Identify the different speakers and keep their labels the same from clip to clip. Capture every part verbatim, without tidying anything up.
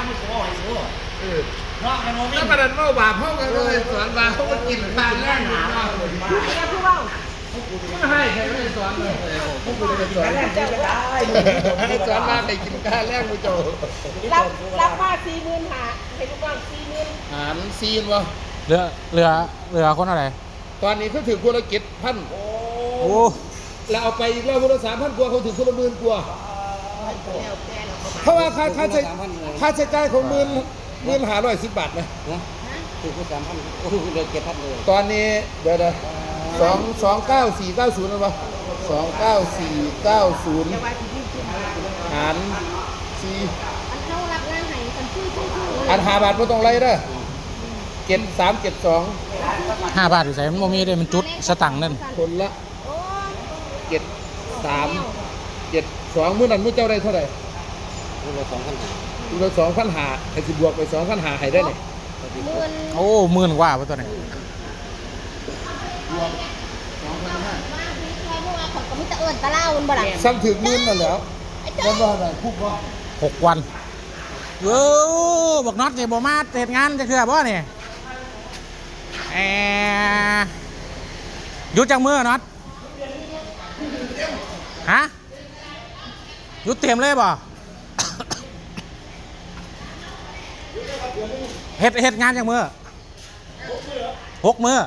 Speaker 1: ไม่โซ่ไอ้โซ่
Speaker 2: เออ
Speaker 1: เนาะไอ้โนมิ
Speaker 2: ถ้าประเด็นเมาบาปเขากันเลยสอนบาปเขาก็กินทานแน่นหนาไม่ให้ใครไม่สอนเลยพวกคุณจะสอนเจ้าก็ได้ให้สอนมาให้กินข้าวแรกกูโจ
Speaker 3: รับรับมาสี่หมื่นหาให้ลูกน้องสี่หมื่น
Speaker 2: หารซีนวะ
Speaker 4: เหลือเหลือเหลือคนอะไร
Speaker 2: ตอนนี้เขาถือคนละเจ็ดพัน
Speaker 4: โอ้
Speaker 2: แล้วเอาไปอีกแล้วคนละสามพันกว่าเขาถือคนละหมื่นกว่าเพราะว่าค่าค่าใช้ค่าใช้จ่ายของหมื่นหมื่นหาร้อยสิบบาทไหม
Speaker 1: ถือคนสามพันก็คือเดือนเจ็ดพันเลย
Speaker 2: ตอนนี้เดี๋ยวเดี๋ยวสองสองเก้าสี่เก้าศูนย์นะวะสองเก้าสี่เก้าศูนย์หารสี่
Speaker 3: อันเข้ารับงานไหนกันชื่อชื่อชื่อ
Speaker 2: อันหาบาทไม่ต้องไล่เด้อเจ็ดสามเจ็ดสอง
Speaker 4: ห้าบาทอยู่ใส่มันโมมีเลยมันจุดสตังค์นั่น
Speaker 2: คนละเจ็ดสามเจ็ดสองมื้อนั้นมื้อเจ้าได้เท่าไหร่
Speaker 1: มื้อละสองพันหา
Speaker 2: มื้อละสองพันหาให้สิบวกไปสองพันหาให้ได้เนี่ย
Speaker 4: โอ้หมื่นกว่าป่ะตัวนี้
Speaker 2: ซ้ำถึงมื่นนั่นแล้วแล้วว่าอะไรพูดว่า
Speaker 4: หกวันเออบอกน็อตเนี่ยบอกมาเสร็จงานจะเชื่อป่ะเนี่ยแอหยุดจากมือน็อตฮะหยุดเตรียมเลยป่ะเฮ็ดเฮ็ดงานจากมือหกมือ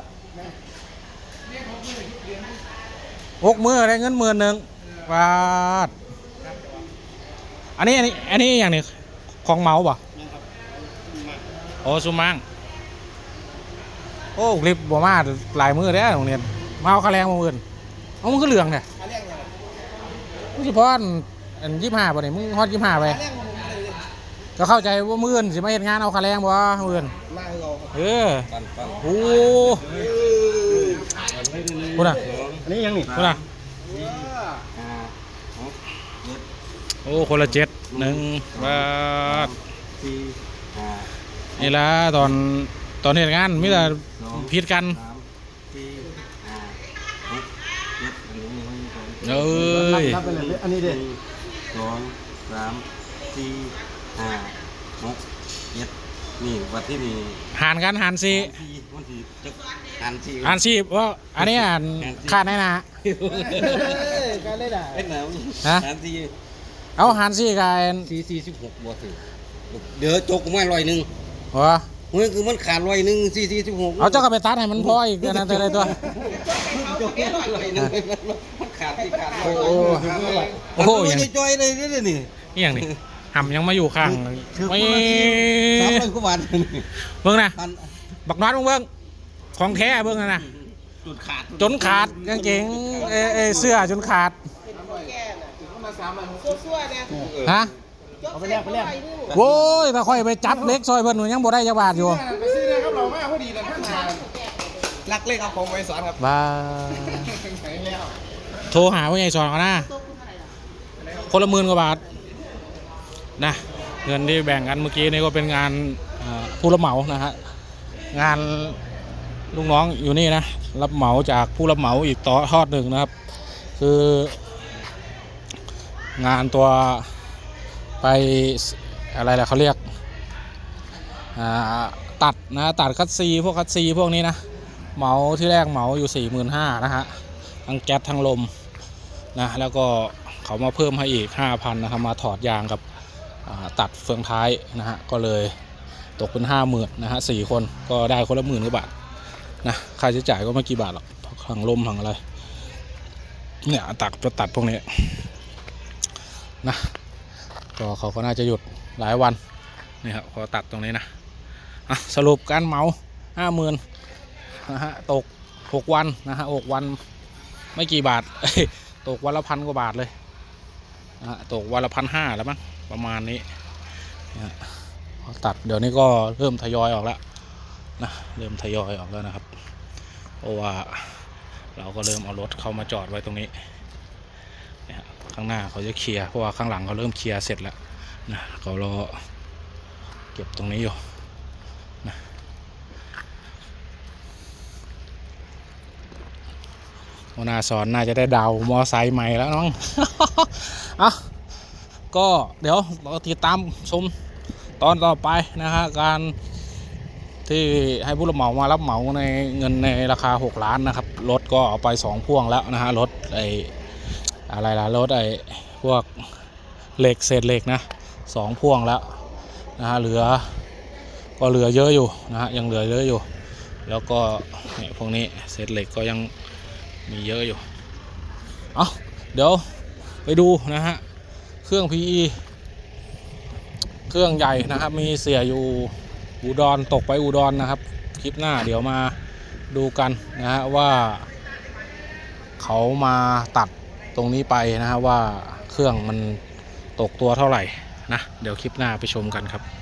Speaker 4: หกมือได้เงินหมื่นหนึ่งบาทอันนี้อันนี้อันนี้อย่างนี้ของเมาป่ะโอ้ซูมังโอ้คลิปบ่มาหลายมือได้โรงเรียนมาเอาค่าแรงมาเงินเอามึงก็เหลืองเนี่ยมึงเฉพาะอันยี่ห้าป่ะเนี่ยมึงฮอตยี่ห้าไปก็เข้าใจว่ามือเงินสิมาเห็นงานเอาค่าแรงบ่มือเงินเออโอ้คุณอ่ะ
Speaker 1: อันนี้ยังนี่
Speaker 4: คุณอ่ะโอ้คนละเจ็ดหนึ่งบาทนี่ละตอนตอนเห็นงานมิแต่ผิดกันเอ้ย
Speaker 1: อันนี้เด็ดสองสามสี่ห้าหกเจ็ดนี่วันที่นี่
Speaker 4: หารกันหารสี่
Speaker 1: วันที่จะหารสี่
Speaker 4: หารสี่ว่าอันนี้อ่านขาดแน่นะ
Speaker 1: การเล่นอ่ะเล่นหนาว
Speaker 4: ฮะ
Speaker 1: หารสี่
Speaker 4: เอาหารสี่กัน
Speaker 1: สี่สี่สิบหกบวกถึงเดี๋ยวจกไม่ร้อยหนึ่ง
Speaker 4: วะ
Speaker 1: เฮ้ยคือมันขาดร้อยหนึ่งสี่สี่สิบหก
Speaker 4: เอาเจ้าก็ไปตัดให้มันพออีกนะแต่ละตัว
Speaker 1: จกแค่ร้อยหนึ่งมันขาดที่ขาดโอ้
Speaker 4: โหโอ้โห
Speaker 1: ยังจอยเลยนี่นี่
Speaker 4: นี่อย่างนี้หำยังมาอยู่ข้างไม่
Speaker 1: สามร้อยกว่าบาท
Speaker 4: เบิ้งนะบักน็อตเบิ้งของแท้เบิ้งนะ
Speaker 1: จนขาด
Speaker 4: จนขาดกางเกงเอเสื้อจนขาดฮะ
Speaker 1: เอาไปแลกไปแลก
Speaker 4: โว้ยถ้าค่อยไปจับเล็กซอยเพิ่นหนูยังบ่ได้จักบาทอยู่
Speaker 2: ไปซื้อนะครับเราไม่พอดีเลยท่านรักเล็กเอาของไว้สอนครับ
Speaker 4: บ้าโทรหาว่าไงสอนกันนะคนละหมื่นกว่าบาทนะเงินที่แบ่งกันเมื่อกี้นี่ก็เป็นงานผู้รับเหมานะฮะงานลูกน้องอยู่นี่นะรับเหมาจากผู้รับเหมาอีกต่อทอดหนึ่งนะครับคืองานตัวไปอะไรล่ะเขาเรียกตัดนะตัดคัดซีพวกคัดซีพวกนี้นะเหมาที่แรกเหมาอยู่สี่หมื่นห้านะฮะทั้งแก๊สทั้งลมนะแล้วก็เขามาเพิ่มให้อีกห้าพันนะครับมาถอดยางกับตัดเฟืองท้ายนะฮะก็เลยตกเป็นห้าหมื่นนะฮะสี่คนก็ได้คนละหมื่นกว่าบาทนะค่าใช้จ่ายก็ไม่กี่บาทหรอกทั้งลมทั้งอะไรเนี่ยตัดจะตัดพวกนี้นะก็เขาก็น่าจะหยุดหลายวันนี่ครับพอตัดตรงนี้นะอ่ะสรุปการเหมาห้าหมื่นนะฮะตกหกวันนะฮะหกวันไม่กี่บาทตกวันละพันกว่าบาทเลยนะฮะตกวันละพันห้าแล้วมั้งประมาณนี้นะพอตัดเดี๋ยวนี้ก็เริ่มทยอยออกแล้วนะเริ่มทยอยออกแล้วนะครับเพราะว่าเราก็เริ่มเอารถเข้ามาจอดไว้ตรงนี้ข้างหน้าเขาจะเคลียร์เพราะว่าข้างหลังเขาเริ่มเคลียร์เสร็จแล้วนะเขารอเก็บตรงนี้อยู่นะหัวหน้าสอนน่าจะได้ดาวมอไซค์ใหม่แล้วน้อง อ่ะก็เดี๋ยวเราติดตามชมตอนต่อไปนะฮะการที่ให้ผู้รับเหมามารับเหมาในเงินในราคาหกล้านนะครับรถก็เอาไปสองพ่วงแล้วนะฮะรถไออะไรล่ะรถไอพวกเหล็กเศษเหล็กนะสองพ่วงแล้วนะฮะเหลือก็เหลือเยอะอยู่นะฮะยังเหลือเยอะอยู่แล้วก็เนี่ยพวกนี้เศษเหล็กก็ยังมีเยอะอยู่เอาเดี๋ยวไปดูนะฮะเครื่อง พี อี เครื่องใหญ่นะครับมีเสียอยู่อุดรตกไปอุดรนะครับคลิปหน้าเดี๋ยวมาดูกันนะฮะว่าเขามาตัดตรงนี้ไปนะฮะว่าเครื่องมันตกตัวเท่าไหร่นะเดี๋ยวคลิปหน้าไปชมกันครับ